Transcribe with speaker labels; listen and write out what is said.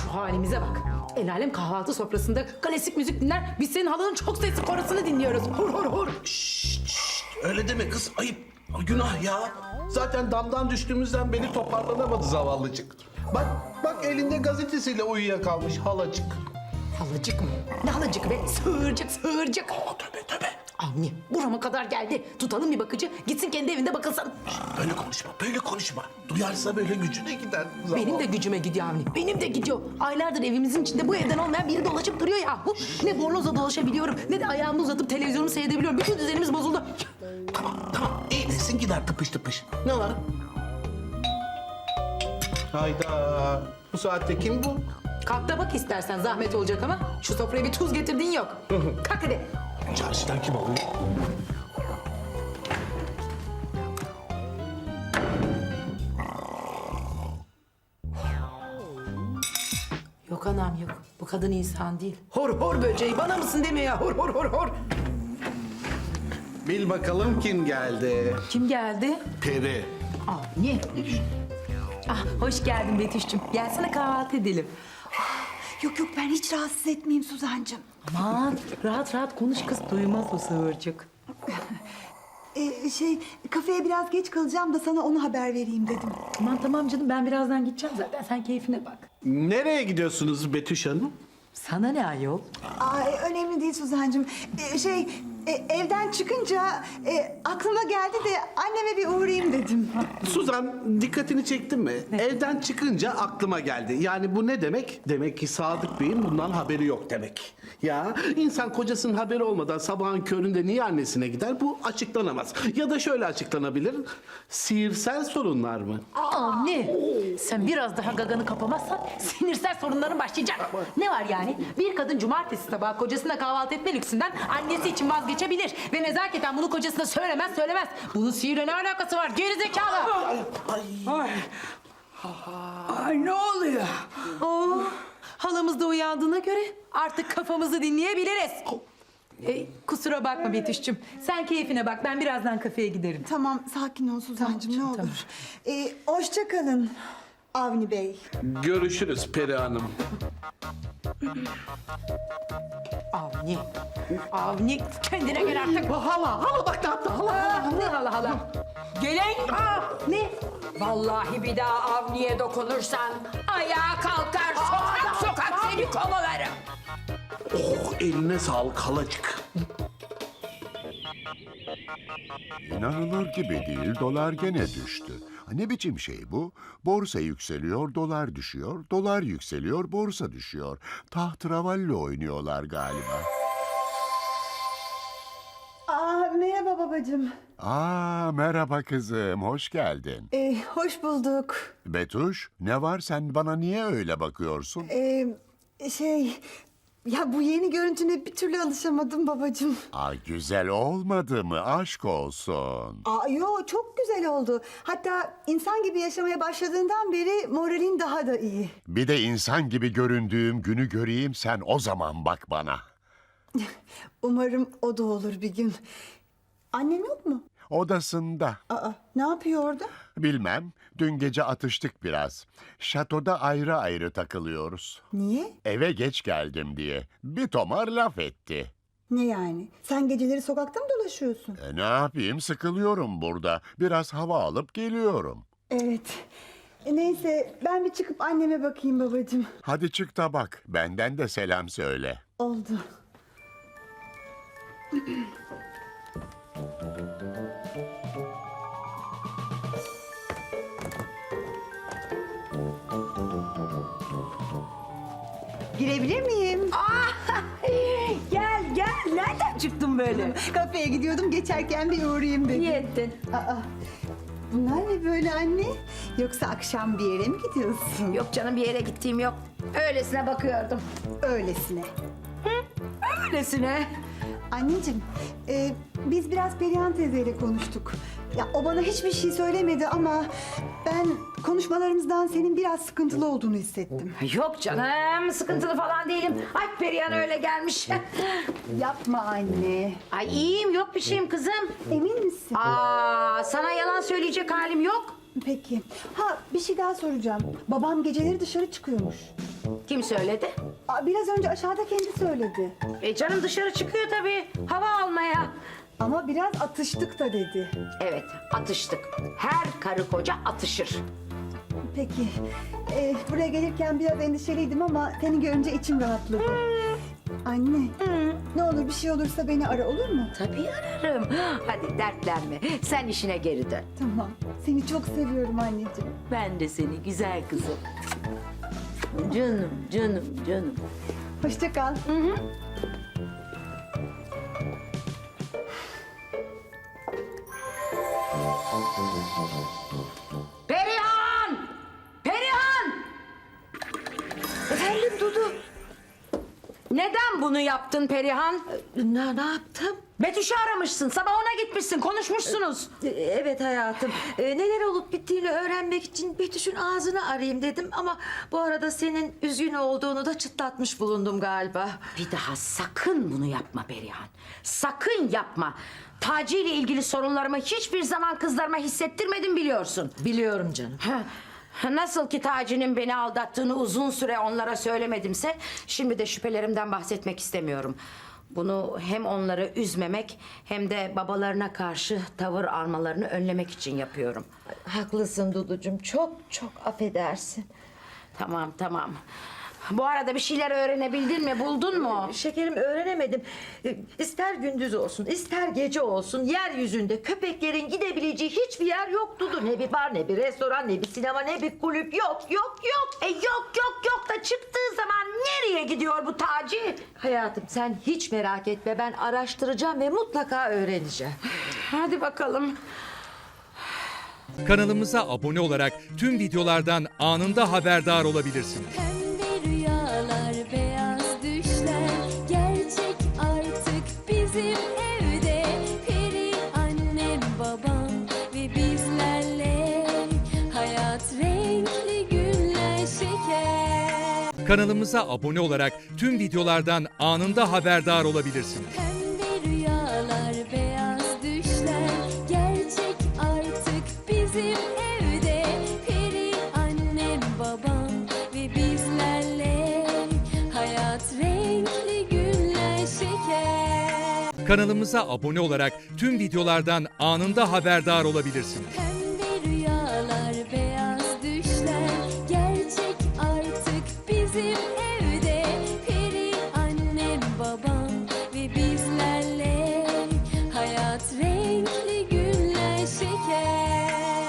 Speaker 1: Şu halimize bak. El alem kahvaltı sofrasında klasik müzik dinler. Biz senin halanın çok sesli korosunu dinliyoruz. Hur hur hur.
Speaker 2: Öyle deme kız, ayıp. Günah ya. Zaten damdan düştüğümüzden beri toparlanamadı zavallıcık. Bak elinde gazetesiyle uyuyakalmış halacık.
Speaker 1: Halacık mı? Ne halacık be? Sığırcık sığırcık.
Speaker 2: Tövbe.
Speaker 1: Avni burama kadar geldi. Tutalım bir bakıcı. Gitsin kendi evinde bakılsın.
Speaker 2: Böyle konuşma. Duyarsa böyle gücüne gider.
Speaker 1: Benim de gücüme gidiyor Avni. Benim de gidiyor. Aylardır evimizin içinde bu evden olmayan biri dolaşıp duruyor ya. Ne bornozla dolaşabiliyorum ne de ayağımı uzatıp televizyonumu seyredebiliyorum. Bütün düzenimiz bozuldu.
Speaker 2: Tamam. İyileşsin gider tıpış. Ne var? Hayda. Bu saatte kim bu?
Speaker 1: Kalk da bak istersen zahmet olacak ama şu sofraya bir tuz getirdin yok. Kalk hadi.
Speaker 2: Çarşıdan kim oluyor?
Speaker 1: Yok anam yok. Bu kadın insan değil. Hor hor böceği bana mısın demiyor ya. Hor hor hor hor.
Speaker 2: Bil bakalım kim geldi?
Speaker 1: Kim geldi?
Speaker 2: Peri.
Speaker 1: Avni. Ah hoş geldin Betüş'cüm. Gelsene kahvaltı edelim.
Speaker 3: Yok ben hiç rahatsız etmeyeyim Suzancığım.
Speaker 1: Aman rahat rahat konuş kız duymaz o sığırcık.
Speaker 3: Kafeye biraz geç kalacağım da sana onu haber vereyim dedim.
Speaker 1: Tamam canım ben birazdan gideceğim zaten sen keyfine bak.
Speaker 2: Nereye gidiyorsunuz Betüş Hanım?
Speaker 1: Sana ne ayol?
Speaker 3: Önemli değil Suzancığım. Evden çıkınca aklıma geldi de anneme bir uğrayayım dedim.
Speaker 2: Suzan dikkatini çektin mi? Evden çıkınca aklıma geldi. Yani bu ne demek? Demek ki Sadık Bey'in bundan haberi yok demek. Ya insan kocasının haberi olmadan sabahın köründe niye annesine gider? Bu açıklanamaz. Ya da şöyle açıklanabilir. Sihirsel sorunlar mı?
Speaker 1: Avni sen biraz daha gaganı kapamazsan sinirsel sorunların başlayacak. Ne var yani? Bir kadın cumartesi sabahı kocasına kahvaltı etme lüksünden annesi için vazgeçebilir. Ve nezaketen bunu kocasına söylemez. Bunun sihirle ne alakası var? Gerizekalı!
Speaker 4: Ay ne oluyor?
Speaker 1: Oh, halamız da uyandığına göre artık kafamızı dinleyebiliriz. Kusura bakma Betüş'cüm. Sen keyfine bak. Ben birazdan kafeye giderim.
Speaker 3: Tamam sakin ol Suzancığım
Speaker 1: Tamam,
Speaker 3: ne
Speaker 1: tamam.
Speaker 3: olur. Hoşça kalın Avni Bey.
Speaker 2: Görüşürüz Peri Hanım.
Speaker 1: Avni kendine gel artık.
Speaker 2: Hala bak ne yaptı hala.
Speaker 1: Ne hala.
Speaker 4: Gelen
Speaker 1: Ne?
Speaker 4: vallahi bir daha Avni'ye dokunursan ayağa kalkar sokak seni kovalarım.
Speaker 2: Oh eline sağlık halacık.
Speaker 5: İnanılır gibi değil, dolar gene düştü. Ne biçim şey bu? Borsa yükseliyor, dolar düşüyor, dolar yükseliyor, borsa düşüyor. Tahterevalli oynuyorlar galiba.
Speaker 3: Merhaba babacığım.
Speaker 5: Merhaba kızım, hoş geldin.
Speaker 3: Hoş bulduk.
Speaker 5: Betuş, ne var sen bana niye öyle bakıyorsun?
Speaker 3: Ya bu yeni görüntüne bir türlü alışamadım babacığım.
Speaker 5: Güzel olmadı mı? Aşk olsun.
Speaker 3: Yo çok güzel oldu. Hatta insan gibi yaşamaya başladığından beri moralin daha da iyi.
Speaker 5: Bir de insan gibi göründüğüm günü göreyim, sen o zaman bak bana.
Speaker 3: Umarım o da olur bir gün. Annem yok mu?
Speaker 5: Odasında.
Speaker 3: Ne yapıyor orada?
Speaker 5: Bilmem, dün gece atıştık biraz. Şatoda ayrı ayrı takılıyoruz.
Speaker 3: Niye?
Speaker 5: Eve geç geldim diye. Bir tomar laf etti.
Speaker 3: Ne yani? Sen geceleri sokakta mı dolaşıyorsun?
Speaker 5: Ne yapayım, sıkılıyorum burada. Biraz hava alıp geliyorum.
Speaker 3: Evet. Neyse ben bir çıkıp anneme bakayım babacığım.
Speaker 5: Hadi çık da bak, benden de selam söyle.
Speaker 3: Oldu. Girebilir miyim?
Speaker 4: Gel nereden çıktın böyle?
Speaker 3: Kafeye gidiyordum geçerken bir uğrayayım dedim.
Speaker 4: İyi ettin.
Speaker 3: Bunlar ne böyle anne? Yoksa akşam bir yere mi gidiyorsun?
Speaker 4: Yok canım bir yere gittiğim yok. Öylesine bakıyordum.
Speaker 3: Öylesine.
Speaker 4: Öylesine.
Speaker 3: Anneciğim, biz biraz Perihan teyzeyle konuştuk. Ya o bana hiçbir şey söylemedi ama ben konuşmalarımızdan senin biraz sıkıntılı olduğunu hissettim.
Speaker 4: Yok canım sıkıntılı falan değilim. Ay Perihan öyle gelmiş.
Speaker 3: Yapma anne.
Speaker 4: Ay iyiyim yok bir şeyim kızım.
Speaker 3: Emin misin?
Speaker 4: Sana yalan söyleyecek halim yok.
Speaker 3: Peki. Bir şey daha soracağım. Babam geceleri dışarı çıkıyormuş.
Speaker 4: Kim söyledi?
Speaker 3: Biraz önce aşağıda kendi söyledi.
Speaker 4: Canım dışarı çıkıyor tabii. Hava almaya.
Speaker 3: Ama biraz atıştık da dedi.
Speaker 4: Evet, atıştık. Her karı koca atışır.
Speaker 3: Peki. Buraya gelirken biraz endişeliydim ama seni görünce içim rahatladı. Anne. Ne olur bir şey olursa beni ara, olur mu?
Speaker 4: Tabii ararım. Hadi dertlenme. Sen işine geri dön.
Speaker 3: Tamam. Seni çok seviyorum anneciğim.
Speaker 4: Ben de seni güzel kızım. Canım, canım, canım.
Speaker 3: Hoşça kal.
Speaker 4: Perihan! Perihan!
Speaker 6: Efendim Dudu.
Speaker 4: Neden bunu yaptın Perihan?
Speaker 6: Ne yaptım?
Speaker 4: Betüş'ü aramışsın. Sabah ona gitmişsin. Konuşmuşsunuz.
Speaker 6: Evet hayatım. Neler olup bittiğini öğrenmek için Betüş'ün ağzını arayayım dedim ama bu arada senin üzgün olduğunu da çıtlatmış bulundum galiba.
Speaker 4: Bir daha sakın bunu yapma Perihan. Sakın yapma. Taci ile ilgili sorunlarımı hiçbir zaman kızlarıma hissettirmedim biliyorsun.
Speaker 6: Biliyorum canım.
Speaker 4: Nasıl ki Taci'nin beni aldattığını uzun süre onlara söylemedimse... ...şimdi de şüphelerimden bahsetmek istemiyorum. Bunu hem onları üzmemek hem de babalarına karşı tavır almalarını önlemek için yapıyorum.
Speaker 6: Haklısın Duducuğum. Çok çok affedersin.
Speaker 4: Tamam, tamam. Bu arada bir şeyler öğrenebildin mi, buldun mu?
Speaker 6: Şekerim öğrenemedim. İster gündüz olsun, ister gece olsun yeryüzünde köpeklerin gidebileceği hiçbir yer yok Dudu. Ne bir bar, ne bir restoran, ne bir sinema, ne bir kulüp. Yok, yok, yok.
Speaker 4: Yok da çıktığı zaman nereye gidiyor bu Taci?
Speaker 6: Hayatım sen hiç merak etme. Ben araştıracağım ve mutlaka öğreneceğim.
Speaker 4: Hadi bakalım.
Speaker 7: Kanalımıza abone olarak tüm videolardan anında haberdar olabilirsiniz.
Speaker 8: Pembe rüyalar, beyaz düşler gerçek artık bizim evde. Peri annem, babam ve bizlerle hayat renkli günler şeker.
Speaker 7: Kanalımıza abone olarak tüm videolardan anında haberdar olabilirsiniz.
Speaker 8: Pembe rüyalar, beyaz düşler gerçek artık bizim evde. Peri annem, babam ve bizlerle hayat renkli günler şeker.
Speaker 7: Kanalımıza abone olarak tüm videolardan anında haberdar olabilirsiniz.